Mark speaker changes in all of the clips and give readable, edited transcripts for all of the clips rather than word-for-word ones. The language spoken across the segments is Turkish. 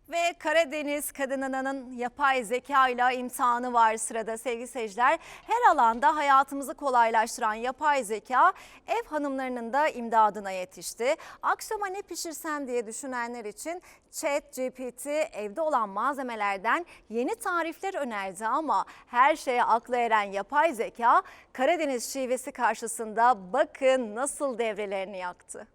Speaker 1: Ve Karadeniz kadınının yapay zeka ile imtihanı var sırada sevgili seyirciler. Her alanda hayatımızı kolaylaştıran yapay zeka ev hanımlarının da imdadına yetişti. Akşama ne pişirsem diye düşünenler için ChatGPT evde olan malzemelerden yeni tarifler önerdi ama her şeye aklı eren yapay zeka Karadeniz şivesi karşısında bakın nasıl devrelerini yaktı.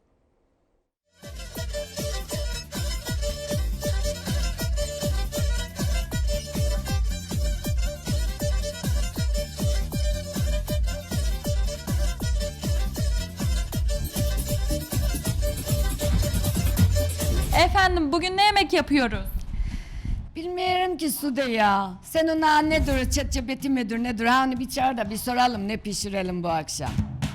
Speaker 2: Efendim bugün ne yemek yapıyoruz?
Speaker 3: Bilmiyorum ki Sude ya. Sen ona nedir, ChatGPT midir nedir? Ha onu bir çağır da bir soralım ne pişirelim bu akşam.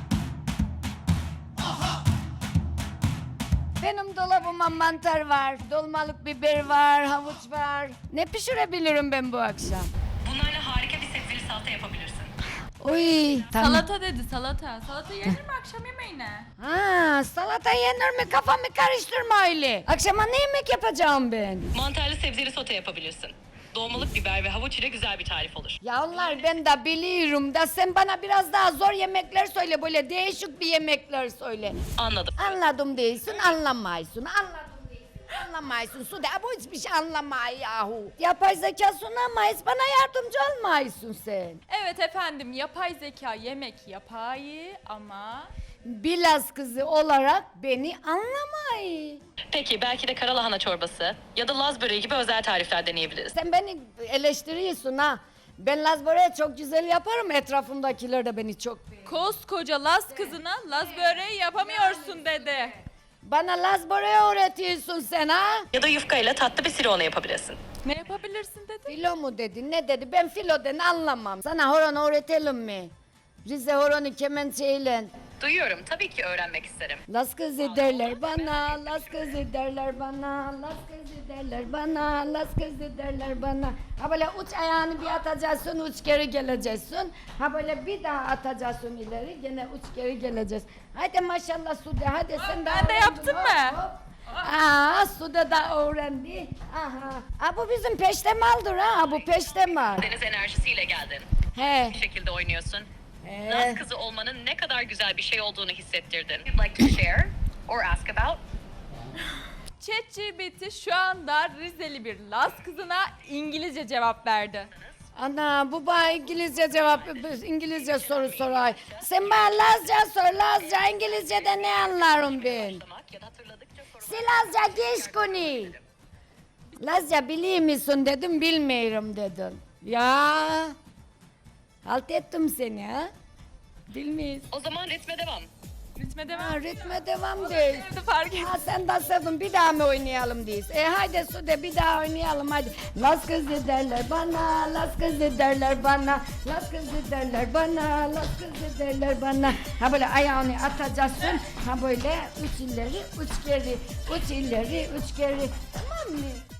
Speaker 3: Benim dolabıma mantar var, dolmalık biber var, havuç var. Ne pişirebilirim ben bu akşam?
Speaker 4: Bunlarla harika bir sebzeli salata yapabilirsin.
Speaker 3: Oy, tamam.
Speaker 2: Salata dedi salata. Salata yenir mi akşam yemeğine?
Speaker 3: Ha, salata yenir mi? Kafamı karıştırma öyle. Akşama ne yemek yapacağım ben?
Speaker 4: Mantarlı sebzeli sote yapabilirsin. Dolmalık biber ve havuç ile güzel bir tarif olur.
Speaker 3: Ya onlar ben de biliyorum da sen bana biraz daha zor yemekler söyle, böyle değişik bir yemekler söyle.
Speaker 4: Anladım.
Speaker 3: Anladım değilsin, anlamayısın. Anladım değilsin, anlamayısın. Sude, bu hiçbir şey anlamay yahu. Yapay zeka sunamayız, bana yardımcı olmayısın sen.
Speaker 2: Evet efendim yapay zeka yemek yapay ama...
Speaker 3: Bilaz kızı olarak beni anlamay.
Speaker 4: Peki belki de karalahana çorbası ya da Laz böreği gibi özel tarifler deneyebiliriz.
Speaker 3: Sen beni eleştiriyorsun ha. Ben Laz böreği çok güzel yaparım, etrafımdakiler de beni çok beğeniyor.
Speaker 2: Koskoca Laz kızına Laz böreği yapamıyorsun dedi.
Speaker 3: Bana Laz böreği öğretiyorsun sen ha?
Speaker 4: Ya da yufka ile tatlı bir sirona yapabilirsin.
Speaker 2: Ne yapabilirsin dedi.
Speaker 3: Filo mu dedi, ne dedi? Ben filoden anlamam. Sana horon öğretelim mi? Rize horonu kemençeyle.
Speaker 4: Duyuyorum, tabii ki öğrenmek isterim.
Speaker 3: Las kızı derler bana, las kızı derler bana, las kızı derler bana, las kızı derler bana. Ha böyle uç ayağını bir atacaksın, uç geri geleceksin. Ha böyle bir daha atacaksın ileri, gene uç geri geleceksin. Hadi maşallah Sude, hadi sen de
Speaker 2: ben de
Speaker 3: öğrendin,
Speaker 2: yaptım
Speaker 3: hop,
Speaker 2: mı?
Speaker 3: hop. Aa, Sude da öğrendi. Aha. Ha bu bizim peştemaldır ha, bu peştemal.
Speaker 4: Deniz enerjisiyle geldin.
Speaker 3: He.
Speaker 4: Bir şekilde oynuyorsun.
Speaker 3: He.
Speaker 4: Laz kızı olmanın ne kadar güzel bir şey olduğunu hissettirdin. You'd like to share or ask about?
Speaker 2: ChatGPT şu anda Rizeli bir Laz kızına İngilizce cevap verdi.
Speaker 3: Ana bu bana İngilizce soru soray. Sen bana Lazca sor, Lazca İngilizce'de ne anlarım ben?
Speaker 4: Ya da hatırladıkça sormak.
Speaker 3: Silazca geç konu. Lazca biliyor musun dedim, bilmiyorum dedin. Ya halt ettim seni ha. Bilmiyorsun.
Speaker 4: O zaman ritme devam.
Speaker 2: Ritme devam.
Speaker 3: Ha, ritme devam değil.
Speaker 2: Evde fark et.
Speaker 3: Ha sen de sevdin, bir daha mı oynayalım diyiz. Haydi Sude bir daha oynayalım hadi. Las kızı derler bana, las kızı derler bana, las kızı derler bana, las kızı derler bana. Ha böyle ayağını atacaksın, ha böyle üç ileri, üç geri, üç ileri, üç geri. Tamam mı?